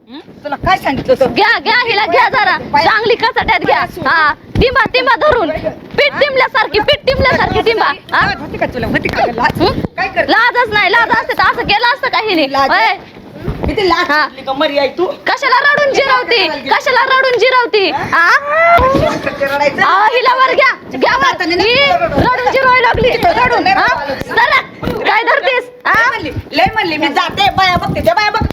तुला काय सांगितलं होतं? घ्या घ्या हिला घ्या जरा चांगली कचाट्यात घ्या हा टिंबा टिंबा धरून पीठ टिंबल्यासारखी टिंबा हा? होती का तुला होती का लाज? काय कर लाजच नाही लाज असते तर असं केलं असतं का हिने लाज आहे? होय? किती लाज हा. सुटली का मरी आई तू कशाला रडून जिरवती हा? रडायचं हिला वर घ्या वर. ही रडून जिरवायला लागली रडून हा? चला, काय धरतीस हा? लय म्हणली मी जाते बाया बघते त्या बाया बघते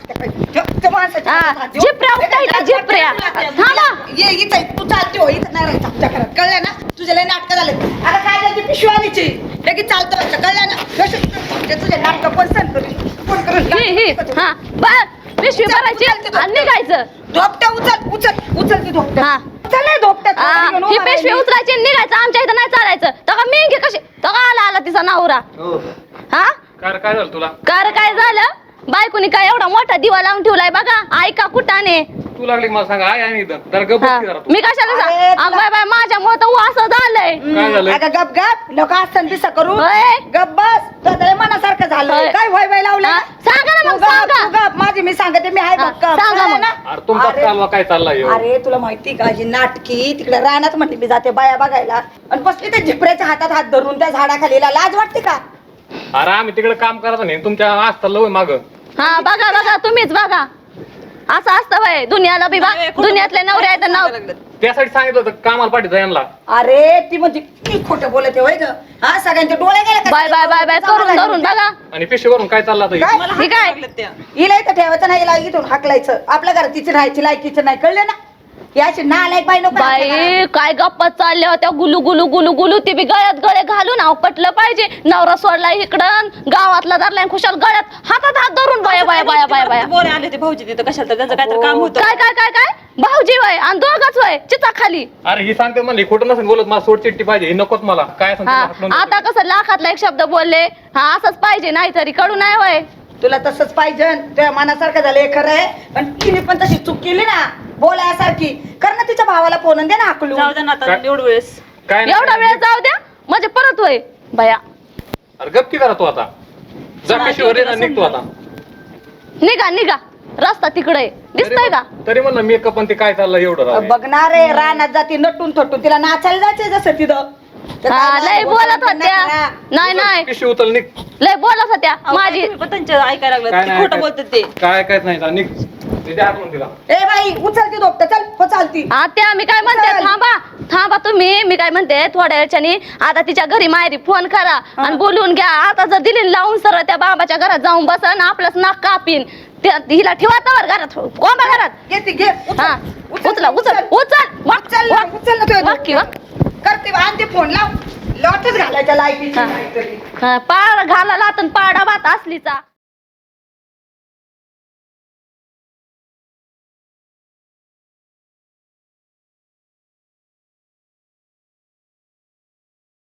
जिपऱ्या उठायला जिपऱ्या थांबा ये इथं तू चालते हो इथं नाही राहायचं आमच्या घरात कळलं ना तुझे लय नाटकं झाले आता काय झाली पिशवी आणायची लगेच चालतं व्हायचं कळलं ना तुझे नाटकं कोण सांग कोण करून हा पिशवी भरायची आणि निघायचं धोपट्या उचल ती धोपट्या हा. उचल नाही धोपट्या ही पिशवी उचलायची आणि निघायचं आमच्या इथं नाही चालायचं तर मेंगे कशी तर आला तिचा नवरा हा काय झालं तुला काय झालं बायकोनी काय एवढा मोठा दिवा लावून ठेवलाय बघा ऐका कुठाने तू लागली मला सांगा आहे आणि इथं जरा गप्प बस की जरा तू. मी कशाला अरे, सांग बाय माझ्यामुळे तर असं झालंय काय झालंय? अगं गप गप लोक असताना दिसा करू होय. गप बस तुझ्या मनासारखं झालं होय. काय वय लावलं हा, सांगा ना मग, तू गप, सांगा. तू गप माझी मी सांगते मी आहे हा, गप गप. सांगा कळलं मग. ना? अरे तुमचा अरे, कालवा काय चाललाय ह्यो? अरे तुला माहिती का ही नाटकी तिकडे रानात म्हणली मी जाते बाया बघायला आणि बसली त्या झिपऱ्याच्या हातात हात धरून त्या झाडाखालीला लाज वाटते का अरे आम्ही तिकडे काम करत नाही तुमच्या असतं लव माग हा बघा तुम्हीच बघा असं असतं वय दुनियाला बी दुनियातले नवरे आहेत नाव त्यासाठी सांगितलं होतं कामाला पाठीचं यांना अरे ती म्हणजे मी खोटं बोलते होय ग हा सगळ्यांचे डोळे गेले का? बाय करून धरून बघा आणि पिशवीवरून काय चाललं आता काय? हे? ही काय हिला इथं ठेवायचं नाही हिला इथून हाकलायचं आपल्या घरात तिची राहायची लायकीचं नाही कळलं ना याची नालायक बाई नको आपल्या घरात. बाई काय गप्पा चालल्या होत्या गुलू ती बी गळ्यात गळे घालून नाव पटलं पाहिजे नवरा सोडला इकडं गावातला धरलाय खुशाल गळ्यात हातात हात धरून बाया बोरे आले ते भाऊजी तिथं कशाला तर त्यांचं काहीतरी काम होतं काय भाऊजी वय आणि दोघच वय चिता खाली अरे ही सांगते म्हणली खोटं नसेल बोलत मला सोड चिट्टी पाहिजे ही नकोच मला काय सांगते हा मला हात लावून आता कसं लाखातला एक शब्द बोलले हा असंच पाहिजे नाही तरी कडू नाही वय तुला तसंच पाहिजे तुझ्या मनासारखं झालं हे खरं आहे पण तिने पण तशी चूक केली ना बोलायसारखी कर ना तिच्या भावाला फोन दे ना हाकलून जाऊ दे ना आता काय? एवढं वेळेस काय नाही. एवढा वेळ जाऊ द्या म्हणजे परत वय बया अरे गप्पी करा तू आता जा पिशवीवर ये ना, निघतो आता निघा रस्ता तिकडे दिसतोय का तरी म्हणलं मेकअप पण ते काय चाललं एवढं राव हे. बघणार आहे रानात जाती नटून थटून तिला नाचायला जायचंय जसं तिथं तर हा, काय लय बोलत होत्या नाही पिशवी उचल निघ लय बोलत होत्या माझी तुम्ही पण त्यांचं ऐकायला लागलं काय ते नाही खोटं बोलतात ते काय काय नाही जा, निघ ते द्या हाकलून तिला ए बाई उचलती दोपट चल हो चालती त्या मी काय म्हणते थांबा तुम्ही मी काय म्हणते थोड्या वेळच्यानी आता तिच्या घरी माहेरी फोन करा आणि बोलून घ्या आता जर दिली लावून सरळ त्या बाबाच्या घरात जाऊन बसन आपलंच नाक कापीन हिला ठेवा तवर घरात कोंबा घरात घे घे हा उचल उचल ना तुझ्या वाक्य करते आणते फोन लाव लॉटच घालायच्या लायकीची काहीतरी पाड घाला लातन पाडा भात असलीचा